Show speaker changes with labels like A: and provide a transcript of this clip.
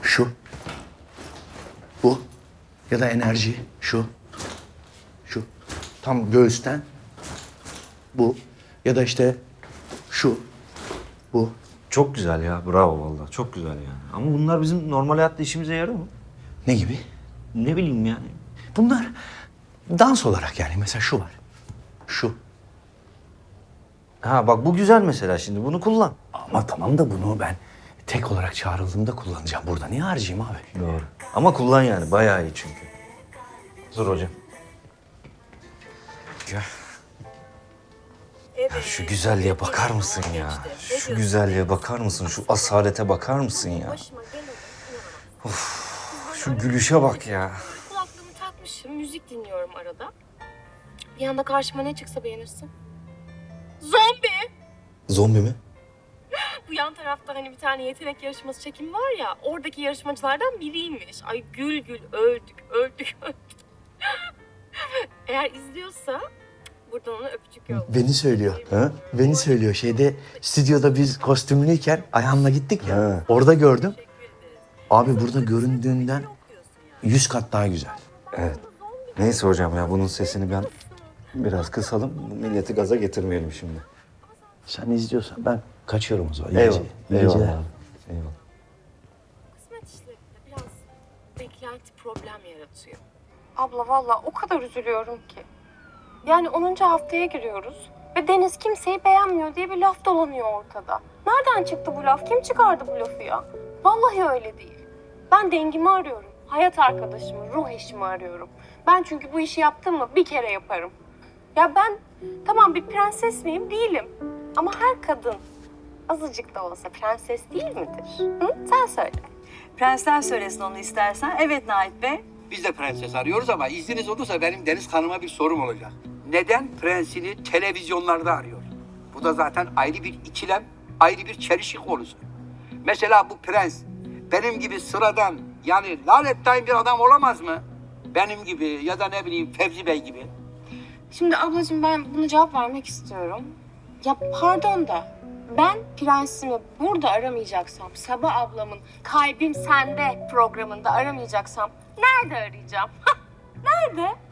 A: Şu. Bu. Ya da enerji. Şu. Şu. Tam göğüsten. Bu. Ya da işte şu. Bu.
B: Çok güzel ya. Bravo vallahi. Çok güzel yani. Ama bunlar bizim normal hayatta işimize yarıyor mu?
A: Ne gibi?
B: Ne bileyim yani.
A: Bunlar dans olarak yani. Mesela şu var. Şu.
B: Ha bak bu güzel mesela şimdi. Bunu kullan.
A: Ama tamam da bunu ben tek olarak çağrıldığımda kullanacağım. Burada niye harcayayım abi?
B: Doğru. Ama kullan yani. Bayağı iyi çünkü. Dur hocam. Gel.
C: Evet.
B: Şu güzelliğe bakar mısın ya? Şu güzelliğe bakar mısın? Şu asalete bakar mısın ya?
C: Başıma gelene
B: Şu gülüşe bak ya.
C: kulaklığımı takmışım, müzik dinliyorum arada. Bir anda karşıma ne çıksa beğenirsin. Zombi!
B: Zombi mi?
C: Bu yan tarafta hani bir tane yetenek yarışması çekimi var ya, oradaki yarışmacılardan biriymiş. Ay gül gül öldük. Eğer izliyorsa buradan ona öpücük yolla.
A: Beni söylüyor. Ha? Beni söylüyor. Şeyde stüdyoda biz kostümlüyken Ayhan'la gittik ya.
B: Ha.
A: Orada gördüm. Abi burada göründüğünden 100 kat daha güzel.
B: Evet. Neyse hocam ya bunun sesini ben biraz kısalım. Milleti gaza getirmeyelim şimdi.
A: Sen izliyorsan ben kaçıyorum o zaman. İyi
B: Eyvallah.
A: geceler. İyi geceler.
B: Eyvallah. Eyvallah.
C: Kısmet işlerinde biraz beklenti problem yaratıyor. Abla vallahi o kadar üzülüyorum ki. Yani 10. haftaya giriyoruz ve Deniz kimseyi beğenmiyor diye bir laf dolanıyor ortada. Nereden çıktı bu laf? Kim çıkardı bu lafı ya? Vallahi öyle değil. Ben dengimi arıyorum. Hayat arkadaşımı, ruh eşimi arıyorum. Ben çünkü bu işi yaptım mı bir kere yaparım. Ya ben tamam bir prenses miyim? Değilim. Ama her kadın azıcık da olsa prenses değil midir? Hı? Sen söyle.
D: Prensler söylesin onu istersen. Evet Nait Bey.
E: Biz de prenses arıyoruz ama izniniz olursa benim Deniz Hanım'a bir sorum olacak. Neden prensini televizyonlarda arıyor? Bu da zaten ayrı bir ikilem, ayrı bir çelişki konusu. Mesela bu prens benim gibi sıradan yani lanettayn bir adam olamaz mı? Benim gibi ya da ne bileyim Fevzi Bey gibi.
C: Şimdi ablacığım ben buna cevap vermek istiyorum. Ya pardon da ben prensimi burada aramayacaksam, Sabah ablamın Kalbim Sende programında aramayacaksam nerede arayacağım? Nerede?